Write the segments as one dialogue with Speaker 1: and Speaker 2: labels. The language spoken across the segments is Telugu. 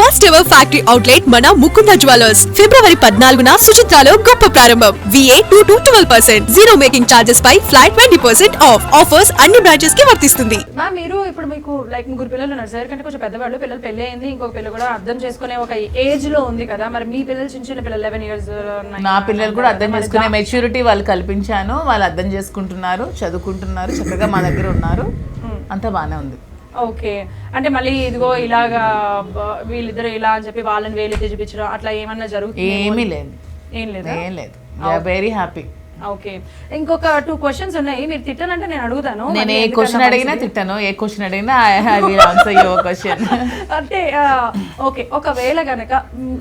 Speaker 1: ఫస్ట్ ఎవర్ ఫ్యాక్టరీ అవుట్లెట్ మన ముకుంద జ్యువెలర్స్ ఫిబ్రవరి 14న సుచిత్రాలో గొప్ప ప్రారంభం. VA 2 to 12%, zero making charges పై ఫ్లాట్ 20% ఆఫ్. ఆఫర్స్ అన్ని బ్రాంచెస్ కి వర్తిస్తుంది.
Speaker 2: మ్యామ్ మీరు ఇప్పుడు మీకు లైక్ ముగ్గురు పిల్లలు ఉన్నారు సార్, కంటే కొంచెం పెద్దవాళ్ళు, పిల్లలు పెళ్లి అయింది, ఇంకొక పిల్లలు కూడా అర్థం చేసుకునే ఒక ఏజ్ లో ఉంది కదా, మరి మీ పిల్లలు చిన్న చిన్న పిల్లలు 11 years
Speaker 3: నా పిల్లలు కూడా అర్థం చేసుకునే మెచ్యూరిటీ వాళ్ళు కల్పించాను. వాళ్ళు అర్థం చేసుకుంటున్నారు, చదువుకుంటున్నారు, చక్కగా మా దగ్గర ఉన్నారు, అంతా బాగానే ఉంది.
Speaker 2: ఓకే, అంటే మళ్ళీ ఇదిగో ఇలాగా వీళ్ళిద్దరు ఇలా అని చెప్పి వాళ్ళని వేలెత్తి చూపించడం అట్లా ఏమన్నా జరుగుతుంది?
Speaker 3: ఏమీ లేదు,
Speaker 2: ఏం లేదు,
Speaker 3: ఏం లేదు. Very happy.
Speaker 2: ఓకే, ఇంకొక 2 questions ఉన్నాయి. మీరు తిట్టానంటే నేను అడుగుతాను.
Speaker 3: నేను ఏ క్వశ్చన్ అడిగినా తిట్టాను, ఏ క్వశ్చన్ అడిగినా I will answer your question.
Speaker 2: అంటే ఓకే, ఒకవేళ గనక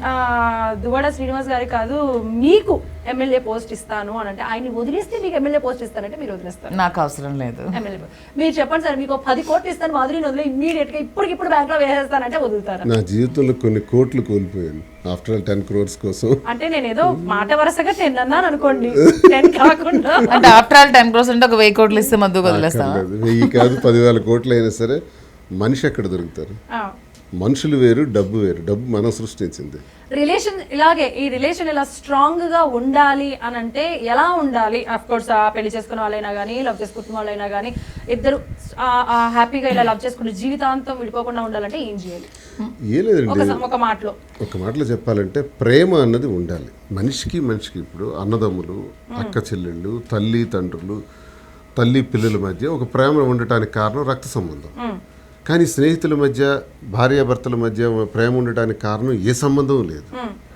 Speaker 2: దువ్వాడ శ్రీనివాస్ గారి కాదు మీకు ఎమ్మెల్యే పోస్ట్ ఇస్తాను అని అంటే, ఆయన్ని వదిలేస్తే మీకు ఎమ్మెల్యే పోస్ట్ ఇస్తానంటే మీరు వదిలేస్తారు?
Speaker 3: నాకు అవసరం లేదు.
Speaker 2: ఎమ్మెల్యే మీరు చెప్పండి సార్, మీకు 10 కోట్లు ఇస్తాను, మాధురిని వదిలే ఇమ్మీడియట్ గా ఇప్పటికిప్పుడు బ్యాంక్ లో వేసేస్తానంటే వదులుతారా?
Speaker 4: నా జీవితంలో కొన్ని కోట్లు కోల్పోయాను ఆఫ్టర్ ఆల్ 10 crores కోసం.
Speaker 2: అంటే నేను ఏదో మాట వరుసగా 10 అన్నాను అనుకోండి, 10 కాకుండా.
Speaker 3: అంటే ఆఫ్టర్ ఆల్ 10 crores అంటే ఒక 1000 కోట్లు ఇస్తే మధ్య వదిలేస్తాం?
Speaker 4: 1000 కాదు, 10,000 కోట్లు అయినా సరే మనిషి ఎక్కడ దొరుకుతారు? మనుషులు వేరు, డబ్బు వేరు. డబ్బు మనం సృష్టించింది.
Speaker 2: రిలేషన్ ఇలాగే, ఈ రిలేషన్ ఇలా స్ట్రాంగ్ గా ఉండాలి అని అంటే ఎలా ఉండాలి? అఫ్ కోర్స్ పెళ్లి చేసుకున్న వాళ్ళైనా కానీ, లవ్ చేసుకున్న వాళ్ళైనా కానీ, ఇద్దరు హ్యాపీగా ఇలా లవ్ చేసుకుని జీవితాంతం విడిపోకుండా ఉండాలంటే ఏం చేయాలి?
Speaker 4: ఏ లేదండి,
Speaker 2: ఒక
Speaker 4: మాటలో చెప్పాలంటే ప్రేమ అన్నది ఉండాలి మనిషికి మనిషికి. ఇప్పుడు అన్నదమ్ములు, అక్క చెల్లెళ్ళు, తల్లి తండ్రులు, తల్లి పిల్లల మధ్య ఒక ప్రేమ ఉండటానికి కారణం రక్త సంబంధం. కానీ స్నేహితుల మధ్య, భార్యాభర్తల మధ్య ప్రేమ ఉండటానికి కారణం ఏ సంబంధం లేదు.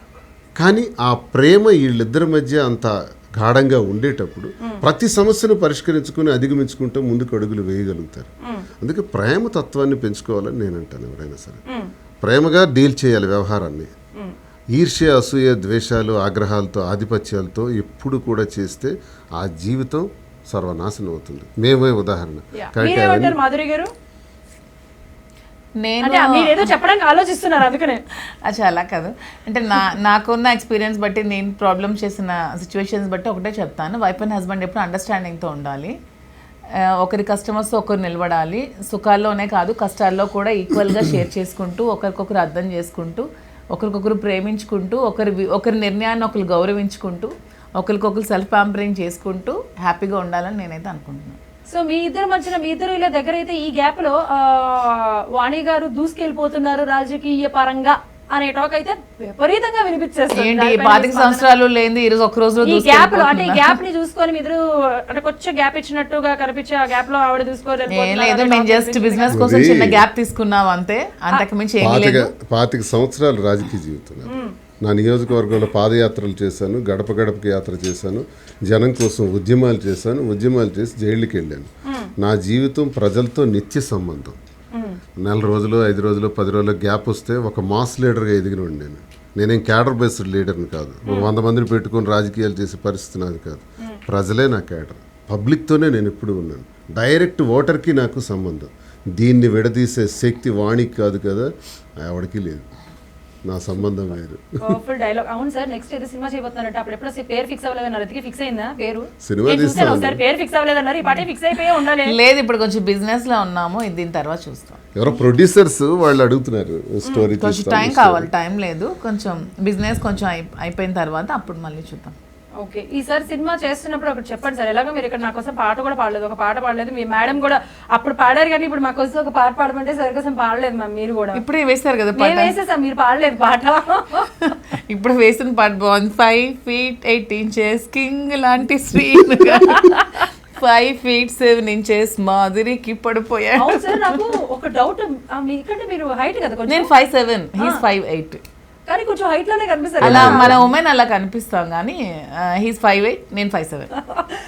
Speaker 4: కానీ ఆ ప్రేమ వీళ్ళిద్దరి మధ్య అంత గాఢంగా ఉండేటప్పుడు ప్రతి సమస్యను పరిష్కరించుకుని అధిగమించుకుంటూ ముందుకు అడుగులు వేయగలుగుతారు. అందుకే ప్రేమ తత్వాన్ని పెంచుకోవాలని నేను అంటాను. ఎవరైనా సరే ప్రేమగా డీల్ చేయాలి వ్యవహారాన్ని. ఈర్ష్య, అసూయ, ద్వేషాలు, ఆగ్రహాలతో, ఆధిపత్యాలతో ఎప్పుడు కూడా చేస్తే ఆ జీవితం సర్వనాశనం అవుతుంది. మేమే ఉదాహరణ.
Speaker 2: మాధురి గారు
Speaker 3: నేను
Speaker 2: చెప్పడానికి ఆలోచిస్తున్నారు, అందుకనే.
Speaker 3: అచ్చా, అలా కాదు. అంటే నాకున్న ఎక్స్పీరియన్స్ బట్టి, నేను ప్రాబ్లమ్ చేసిన సిచ్యువేషన్స్ బట్టి ఒకటే చెప్తాను. వైఫ్ అండ్ హస్బెండ్ ఎప్పుడు అండర్స్టాండింగ్తో ఉండాలి. ఒకరి కస్టమర్స్ ఒకరు నిలబడాలి. సుఖాల్లోనే కాదు, కష్టాల్లో కూడా ఈక్వల్గా షేర్ చేసుకుంటూ, ఒకరికొకరు అర్థం చేసుకుంటూ, ఒకరికొకరు ప్రేమించుకుంటూ, ఒకరి నిర్ణయాన్ని ఒకరు గౌరవించుకుంటూ, ఒకరికొకరు సెల్ఫ్ ప్యాంపరింగ్ చేసుకుంటూ హ్యాపీగా ఉండాలని నేనైతే అనుకుంటున్నాను.
Speaker 2: సో మీ ఇద్దరు మధ్యన, మీ ఇద్దరు ఇలా దగ్గర అయితే, ఈ గ్యాప్ లో వాణి గారు దూసుకెళ్ళిపోతున్నారు రాజకీయ పరంగా అనే టాక్ అయితే విపరీతంగా వినిపించేస్తుంది.
Speaker 3: 25 సంవత్సరాలు లేని ఈ రోజు ఒక రోజు
Speaker 2: ఈ గ్యాప్ లో, అంటే ఈ గ్యాప్ ని చూసుకొని మీరు అంటే కొంచెం గ్యాప్ ఇచ్చినట్టుగా కనిపించే ఆ గ్యాప్ లో ఆవిడ
Speaker 3: చూసుకోలేదు. మేము జస్ట్ బిజినెస్ కోసం చిన్న గ్యాప్ తీసుకున్నాం అంతే, అంతకు మించి ఏమీ లేదు.
Speaker 4: 25 సంవత్సరాలు రాజకీయ జీవితం. నా నియోజకవర్గంలో పాదయాత్రలు చేశాను, గడప గడపకి యాత్ర చేశాను, జనం కోసం ఉద్యమాలు చేసి జైళ్ళకి వెళ్ళాను. నా జీవితం ప్రజలతో నిత్య సంబంధం. 4 రోజులు, 5 రోజులు, 10 రోజులు గ్యాప్ వస్తే ఒక మాస్ లీడర్గా ఎదిగిన నేనేం క్యాడర్ బేస్డ్ లీడర్ని కాదు. 100 మందిని పెట్టుకొని రాజకీయాలు చేసే పరిస్థితి నాది కాదు. ప్రజలే నా క్యాడర్. పబ్లిక్తోనే నేను ఎప్పుడు ఉన్నాను. డైరెక్ట్ ఓటర్కి నాకు సంబంధం. దీన్ని విడదీసే శక్తి వాణికి కాదు కదా, ఎవరికి లేదు. నా సంబంధం వేరు.
Speaker 2: Full dialogue. అవును సార్, నెక్స్ట్ ఏదో సినిమా చేయబోతున్నారంట. అప్పుడు ఎప్పుడో పేరు ఫిక్స్ అవ్వలేదన్నారు, అది ఫిక్స్ అయిందా? పేరు
Speaker 4: సినిమా తీస్తాను
Speaker 2: సార్, పేరు ఫిక్స్ అవ్వలేదన్నారు, ఈ పాటే ఫిక్స్ అయిపోయి ఉండాలి.
Speaker 3: లేదు, ఇప్పుడు కొంచెం బిజినెస్ లో ఉన్నాము, దీని తర్వాత చూస్తాం.
Speaker 4: ఎవరో ప్రొడ్యూసర్స్ వాళ్ళు అడుగుతున్నారు స్టోరీ,
Speaker 3: కొంచెం టైం కావాలి. టైం లేదు, కొంచెం బిజినెస్ కొంచెం అయిపోయిన తర్వాత అప్పుడు మళ్ళీ చూద్దాం.
Speaker 2: ఓకే, ఈసారి సినిమా చేస్తున్నప్పుడు ఒకటి చెప్పండి సార్. ఎలాగో మీరు ఇక్కడ నా కోసం పాట కూడా పాడలేదు, ఒక పాట పాడలేదు. మీ మేడం కూడా అప్పుడు పాడారు, కానీ ఇప్పుడు మా కోసం ఒక పాట పాడమంటే సరి కోసం పాడలేదు మ్యామ్. మీరు కూడా
Speaker 3: ఇప్పుడే వేస్తారు కదా,
Speaker 2: వేసేసాం, మీరు పాడలేదు పాట.
Speaker 3: ఇప్పుడు వేసిన పాట బాగుంది. 5 feet 8 inches కింగ్ లాంటి స్క్రీన్, 5 feet 7 inches మాధురికి పడిపోయా.
Speaker 2: అవును సార్, నాకు ఒక డౌట్, మీకంటే మీరు హైట్ కదా.
Speaker 3: నేను 5'7", he's 5'8",
Speaker 2: కానీ కొంచెం హైట్ లోనే కనిపిస్తారు.
Speaker 3: అలా మన ఉమెన్ అలా కనిపిస్తాం, కానీ he's 5'8", నేను 5'7".